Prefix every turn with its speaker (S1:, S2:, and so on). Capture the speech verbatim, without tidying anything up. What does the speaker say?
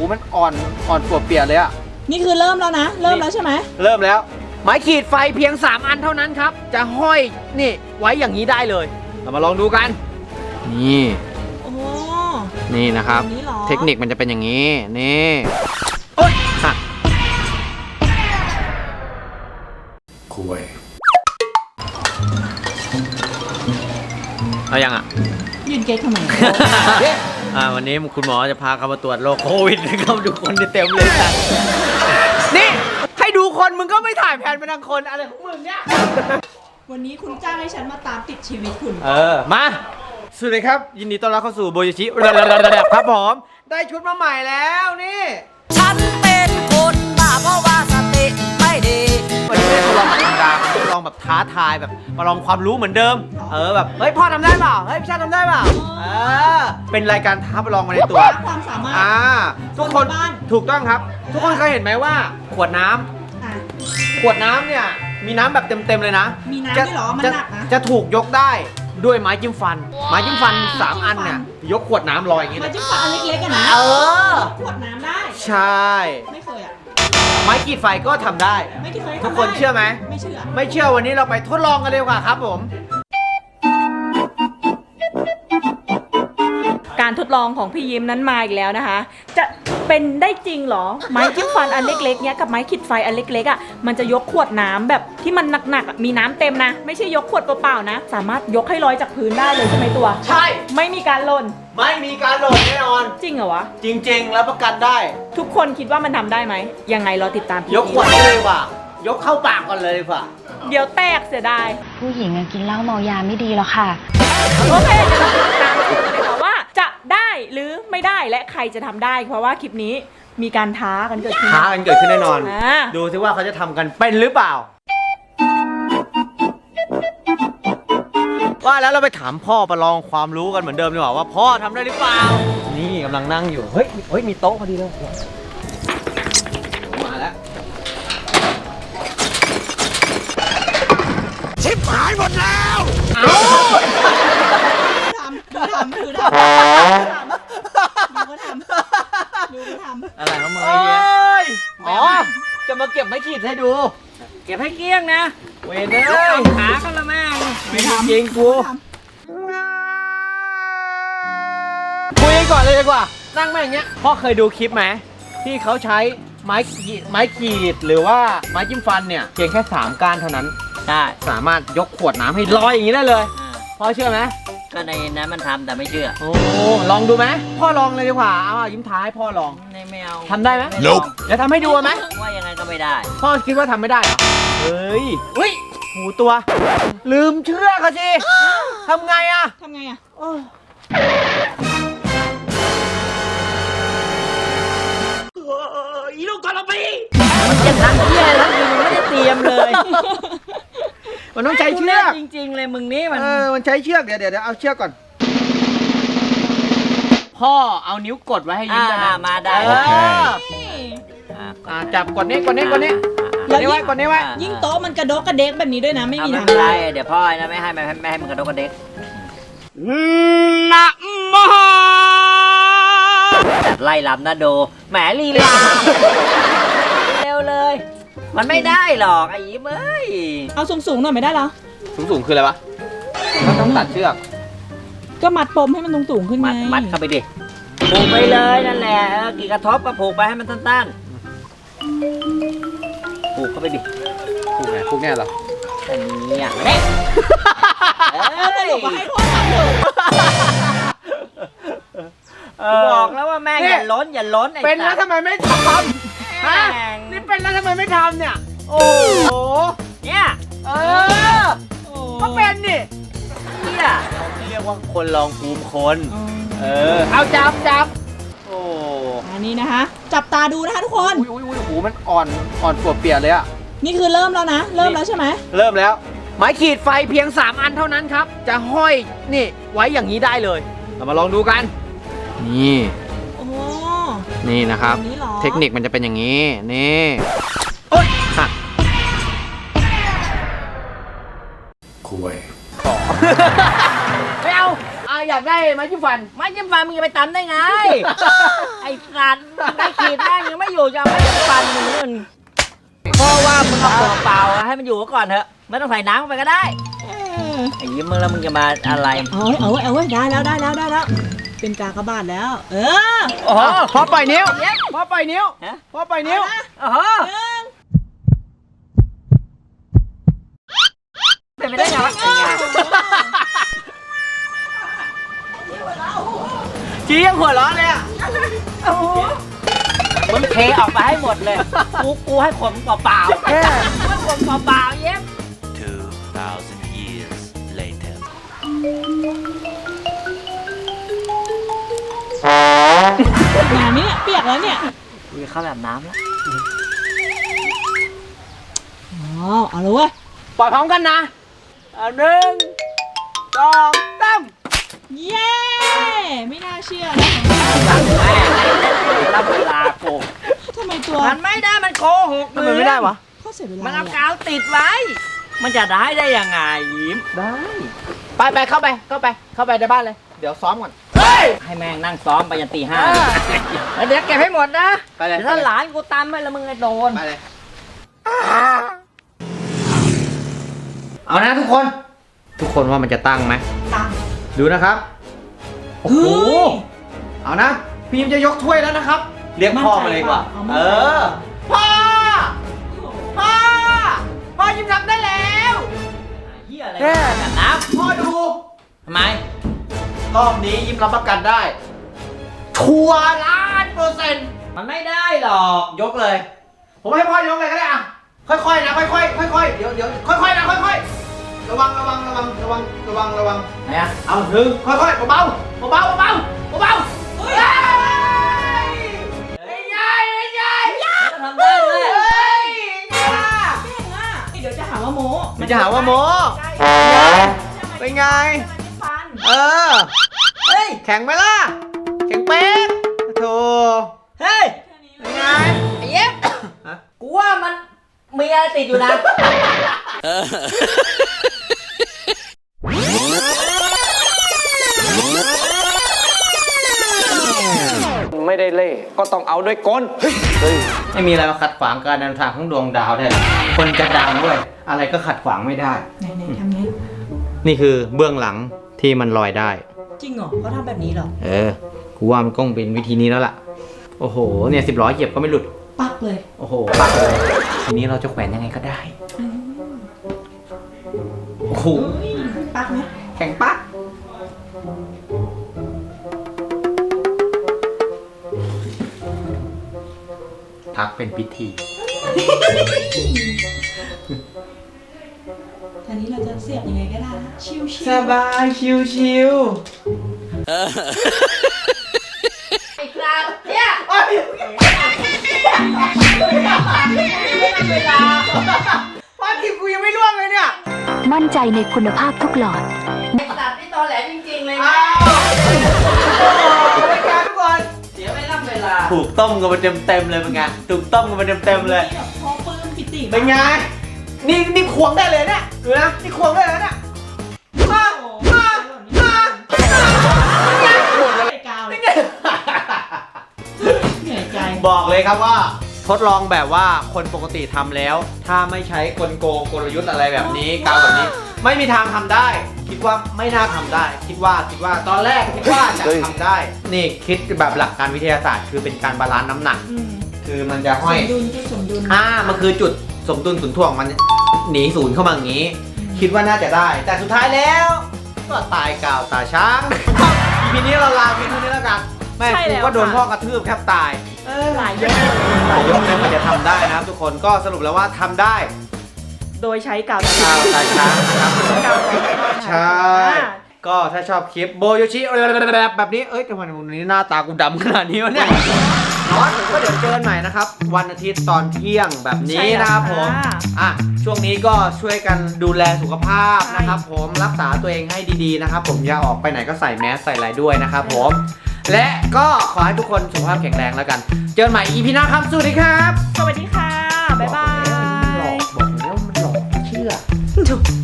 S1: มันอ่อนอ่อนปวดเปียกเลยอะ
S2: นี่คือเริ่มแล้วนะเริ่มแล้วใช่ไหม
S1: เริ่มแล้วไม้ขีดไฟเพียงสามอันเท่านั้นครับจะห้อยนี่ไว้อย่างนี้ได้เลยเรามาลองดูกันนี่
S2: โอ้
S1: นี่นะครับเทคนิคมันจะเป็นอย่างนี้นี่โอ๊ยหักคุยเอายังอ่ะ
S2: ยืนเก๊กทำไม
S1: อ่าวันนี้คุณหมอจะพาเขามาตรวจโรคโควิดนะครับดูคนเต็มเลยจ้ะนี่ให้ดูคนมึงก็ไม่ถ่ายแผนเป็นทางคนอะไรของมึงเนี่ย
S2: วันนี้คุณจ้างให้ฉันมาตามติดชีวิตคุณ
S1: เออมาสวัสดีครับยินดีต้อนรับเข้าสู่โบยิชิครับผมได้ชุดมาใหม่แล้วนี่
S3: ฉันเป็นคนบ้าเพราะว่าสติไม่ดี
S1: วันนี้ไม่ได้ทดลองธรรมดาทดลองแบบท้าทายแบบมาลองความรู้เหมือนเดิมเออแบบเฮ้ยพ่อทำได้เปล่าเฮ้ยพี่ชาติทำได้เปล่าเออเป็นรายการท้าประลองมาในตัว
S2: ความสามารถ
S1: อ่าทุกคนถูกต้องครับทุกคนเคยเห็นไหมว่าขวดน้ำขวดน้ำเนี่ยมีน้ำแบบเต็มๆเลยนะ
S2: มีน้ำด้วยเหรอมันหนักนะ
S1: จะถูกยกได้ด้วยไม้จิ้มฟันไม้จิ้มฟันสามอันเนี่ยยกขวดน้ำลอยอย่างงี้
S2: ไม้จิ้มฟันอันเล็กๆกันนะ
S1: เออ
S2: ขวดน้ำได้
S1: ใช่
S2: ไม่เคยอ่ะ
S1: ไม้ขีดไฟก็ทำได้ทุกคนเชื่อไหม
S2: ไม่เชื่อ
S1: ไม่เชื่อวันนี้เราไปทดลองกันเลยดีกว่าครับผม
S2: การทดลองของพี่ยิ้มนั้นมาอีกแล้วนะคะจะเป็นได้จริงเหรอไม้จิ้มฟันอันเล็กๆเนี้ยกับไม้ขีดไฟอันเล็กๆอ่ะมันจะยกขวดน้ำแบบที่มันหนักๆมีน้ำเต็มนะไม่ใช่ยกขวดเปล่าๆนะสามารถยกให้ลอยจากพื้นได้เลยใช่ไหมตัว
S1: ใช่
S2: ไม่มีการหล่น
S1: ไม่มีการหล่นแน่นอน
S2: จริงเหรอวะ
S1: จริงๆแล้วประกันได้
S2: ทุกคนคิดว่ามันทำได้ไหมยังไงรอติดตาม
S1: ยกขวดเลยว่ะยกเข้าปากก่อนเลยว่ะ
S2: เดี๋ยวแตกเสียดาย
S4: ผู้หญิงกินเหล้าเมายาไม่ดีหรอกค่ะ
S2: โอเคเดี๋ยวเราติดตามกันเลยค่ะว่าจะได้หรือไม่ได้และใครจะทำได้เพราะว่าคลิปนี้มีการท้ากันเกิดขึ้น
S1: ท้ากันเกิดขึ้นแน่นอนดูซิว่าเขาจะทำกันเป็นหรือเปล่าว่าแล้วเราไปถามพ่อประลองความรู้กันเหมือนเดิมดีกว่าว่าพ่อทำได้หรือเปล่านี่กำลังนั่งอยู่เฮ้ยเฮ้ยมีโต๊ะพอดีเลยมาแล้วชิบหายหมดแล้วเอ้า
S2: ทำดูทำดูทำดูก็ทำดูก็ทำ
S1: อะไรของมึงไอ้เหี้ยอ๋อจะมาเก็บไม้ขีดให้ดูเก็บให้เกลี้ยงนะเวเนอร์ขากันละแม่ไม่ทำจริงกูคุยกันก่อนเลยดีกว่านั่งแม่งเงี้ยพ่อเคยดูคลิปไหมที่เขาใช้ไม้ไม้ขีดหรือว่าไม้จิ้มฟันเนี่ยเพียงแค่สามก้านเท่านั้นได้สามารถยกขวดน้ำให้ลอยอย่างนี้ได้เลยพ่อเชื่อไหม
S3: ก็ในนั้นมันทำแต่ไม่เชื่อ
S1: โอ้ลองดูไหมพ่อลองเลยดีกว่าเอายิ้มท้ายพ่อลอง
S3: ไม่เอา
S1: ทำได้ไหมจะทำให้ดูไหม
S3: ว่ายังไงก็ไม่ได้
S1: พ่อคิดว่าทำไม่ได้เหรอเฮ้ยเฮ้ยหูตัวลืมเชื่อเขาสิทำไงอะ
S2: ทำไงอะ
S3: อีลูกกระปีมันจะทำเหี้ยแล้วมึงไม่ได้เตรียมเลย
S1: มันต้องใช้เชือก
S3: จริงๆเลยมึงนี่มัน
S1: เออมันใช้เชือกเดี๋ยวเดี๋ยวเอาเชือกก่อนพ่อเอานิ้วกดไว้ให้ยิ้มได้
S3: มาได้
S1: จับกดนี้กดนี้กดนี้กดนี้ไว้กดนี้ไว้
S2: ยิ่งโต๊ะมันกระดกกระเด็กแบบนี้ด้วยนะไม่มีทาง
S3: ได้เดี๋ยวพ่อนะไม่ให้ไม่ให้ไม่ให้มันกระดกกระเด็ก
S1: นะมหา
S3: จัดไล่ลำนะโดแหมลีลาเร็วเลยมันไม่ได้หรอกไอ้ยิ้มเอ้ย
S2: เอาสูงๆหน่อยไม่ได้เหรอ
S1: สูงๆคืออะไรวะมันต้องตัดเชือก
S2: ก็มัดปมให้มันสูงๆขึ้นไง
S3: มัดเข้าไปดิผูกไปเลยนั่นแหละกี่กระทบก็ผูกไปให้มันสั้นๆผูกเข้าไปดิ
S1: ผูกไงผูกแน่หรอ
S3: อันนี้อ่ะเด็ก
S2: เอ้ยบอกให้พ่อทำเถ
S3: อะบอกแล้วว่าแม่อย่าล้นอย่าล้น
S1: เป็นแล้วทำไมไม่ทำฮะนี่เป็นแล้วทำไมไม่ทำเนี่ยโอ้โห
S3: เนี่ย
S1: เออก็เป็นนี่
S3: เนี่ย
S1: เรียกว่าคนลองภูมิคนเออเอาจับจับโอ้
S2: อันนี้นะคะจับตาดูนะคะทุกคน
S1: อุ้ยอุ้ยหูมันอ่อนอ่อนปวดเปียกเลยอ่ะ
S2: นี่คือเริ่มแล้วนะเริ่มแล้วใช่ไหม
S1: เริ่มแล้วไม้ขีดไฟเพียงสามอันเท่านั้นครับจะห้อยนี่ไว้อย่างนี้ได้เลยเรามาลองดูกันนี่
S2: โอ้
S1: นี่นะครับเทคนิคมันจะเป็นอย่างนี้นี่โอ๊ยหักคุยไม่เอาอ่ะอยากได้ไม้จิ้มฟัน
S3: ไม้จิ้มฟันมึงจะไปตันได้ไง ไอ้สัตว์ไอ้ขีดแม่งยังไม่อยู่จะเอาไม้จิ้มฟันมึงนู่นเพราะว่ามึงเอาตัวเปล่าอะให้มันอยู่ก่อนเถอะไม่ต้องใส่น้ำลงไปก็ได้ไอ้ยิ้มมึงแล้วมึงจะมาอะไร
S2: เอาไว้เอาไว้เอาไว้ได้แล้วได้แล้วได้แล้ว เป็นกากบาทแล้ว เออ
S1: โอ้โหพอปล่อยนิ้วพอปล่อยนิ้ว
S3: ฮะ
S1: พอปล่อยนิ้ว
S3: โอ้โหเป็นไปได้ไงวะ
S1: จียังหัวร้อนเลยอ่ะ
S3: มึงเทออกไปให้หมดเลย กูกูให้ขนเปล่าๆให้ขนเปล่าๆเย็บ
S5: two thousand years later
S2: งานนี้เปียกแล้วเนี่ย
S3: กูจะเข้าแบบน้ำแล้ว
S2: อ๋อ เอาเลยเว้ย
S1: ปล่อยพร้อมกันนะเอาหนึ่งสองสาม
S2: เย้ ไม่น่าเชื่อนะ
S3: สั่งแม่ให้รับเวลาโกง
S2: ทำไมตัว
S3: มันไม่ได้มันโกหก
S1: ทำไมไม่ได้วะ
S2: ข้อเสียเวลา
S3: มันเอากาวติดไว้ มันจะได้ได้ยังไงยิ้ม
S1: ได้ ไปไปเข้าไปเข้าไปเข้าไปในบ้านเลย เดี๋ยวซ้อมก่อน
S3: ให้แม่งนั่งซ้อมไปยันตีห้า
S1: เออ
S3: แล้วเดี๋ยวเก็บให้หมดนะ
S1: ไปเลย
S3: เดี๋ยวถ้าหลานกูตามไปแล้วมึงไอ้โดน
S1: ไปเลย เอานะทุกคน ทุกคนว่ามันจะตั้งไหม
S2: ตัง
S1: ดูนะครับ โอ้โห เอานะ พี่ยิมจะยกถ้วยแล้วนะครับ เรียกพ่อมาเลยดีกว่า เออ พ่อ พ่อ พ่อยิมทำได้แล้ว
S3: เฮียอะไรกันน้
S1: พ่อดู
S3: ำทำไม
S1: รอบนี้ยิมรับประกันได้ ชัวร์ล้านเปอร์เซ็นต์
S3: มันไม่ได้หรอก
S1: ยกเลย ผมให้พ่อยกเลยก็ได้อะค่อยๆนะ ค่อยๆ ค่อยๆ เดี๋ยวเดี๋ยวค่อยๆนะ ค่อยๆ ระวัง ระวัง ระวัง ระวัง ระวัง ระวัง
S3: ไหนอะ
S1: เอาหนึ่งค่อยๆ เบาๆ เบาๆ เบาๆ เบาๆเฮ้ยไอ้ยายไอ้ยาย
S3: ทำได้ด้วย
S1: เฮ้ยไงล่ะ
S2: เก่งอ่ะเดี๋ยวจะหาว่าโม
S1: มันจะหาว่าโมเป็นไง
S2: ฟัน
S1: เออ
S3: เฮ้ย
S1: แข็งไหมล่ะ แข็งเป๊กโธ่
S3: เฮ้ย
S1: เป็นไง
S3: ไอ้เย็บกูว่ามันมีอะไรติดอยู่นะ
S6: ไม่ได้เล่ก็ต้องเอาด้วยกลเฮ้ย
S1: ไม่มีอะไรมาขัดขวางการเดินทางของดวงดาวได้หรอกคนจะดังด้วย อะไรก็ขัดขวางไม่ได้
S2: ไหนๆทำไง
S1: นี่คือเบื้องหลังที่มันลอยได้
S2: จริงเหรอเขาทำแบบนี้เหรอ
S1: เออ กูว่ามันก้องเป็นวิธีนี้แล้วล่ะ โอ้โห เนี่ยสิบล้อเหยียบก็ไม่หลุด
S2: ปักเลย
S1: โอ้โหปักเลย ทีนี้เราจะแขวนยังไงก็ได้ โอ้โห
S2: เฮ้ยปักไหม
S1: แข็งปักพักเป็นพิธี
S2: ทีนี้เราจะเสียบยังไงก็ได้นะชิวๆ
S1: สบายชิว
S3: ไอ้ครับเนี่ย
S1: ๆโอ้ย
S3: เวลา
S1: ป้าทิพย์กูยังไม่ล่วงเลยเนี่ย
S4: มั่นใจในคุณภาพทุกหลอด
S3: ไอ้สัตว์นี่ตอแหลจริงๆเลย
S1: อ้า
S3: นะ
S1: วรายการทุกคน
S3: เสียไม่รับเวลา
S1: ถูกต้มกันมาเต็มๆเลยเป็นไงถูกต้มกันมาเต็มๆเลย
S2: แบบพอปลื้มปิติ
S1: เป็นไง นี่นี่ควงได้เลยเนี่ยดูนะ นี่ควงได้เลยเนี่ยมามามา
S2: ใส่กาวเลยเหนื่อยใจ
S1: บอกเลยครับว่า ทดลองแบบว่าคนปกติทำแล้ว ถ้าไม่ใช้กลโกงกลยุทธ์อะไรแบบนี้กาวแบบนี้ ไม่มีทางทำได้ คิดว่าไม่น่าทำได้ คิดว่าคิดว่าตอนแรกคิดว่าจะทำได้ นี่คิดแบบหลักการวิทยาศาสตร์คือเป็นการบาลานซ์น้ำหนัก
S2: อืม
S1: คือมันจะ
S2: ส
S1: ห้อย
S2: มดุลจุดสมดุล
S1: อ่า มันคือจุดสมดุลศูนย์ถ่วงมันหนีศูนย์เข้ามาอย่างนี้ คิดว่าน่าจะได้ แต่สุดท้ายแล้ว ก็ตายกาวตาช้างทีนี้เราลาเพียงเท่านี้แล้วกัน แม่กูก็โดนพ่อกระทืบแทบตาย
S2: เออหลายยก
S1: หลายยกเลยมันจะทำได้นะครับทุกคนก็สรุปแล้วว่าทำได้
S2: โดยใช้กาว
S1: กาวตาช้างนะครับ
S2: กาว
S1: ใช่ ก็ถ้าชอบคลิปโบโยชิแบบนี้เอ้ยทำไมวันนี้หน้าตากูดำขนาดนี้วะเนี่ยอ๋อก็เดี๋ยวเจอกันใหม่นะครับ วันอาทิตย์ตอนเที่ยงแบบนี้นะครับผมอ่ะช่วงนี้ก็ช่วยกันดูแลสุขภาพนะครับ ผมรักษาตัวเองให้ดีๆนะครับ ผมอย่าออกไปไหนก็ใส่แมสใส่อะไรด้วยนะครับผมและก็ขอให้ทุกคนสุขภาพแข็งแรงแล้วกัน เจอกันใหม่ อี พี หน้าครับสวัสดีครับ
S2: สวัสดีค่ะ บ๊ายบาย
S1: บอกแล้วมันหลอกบอกแล้วมันหลอกเชื่อ
S2: ถูก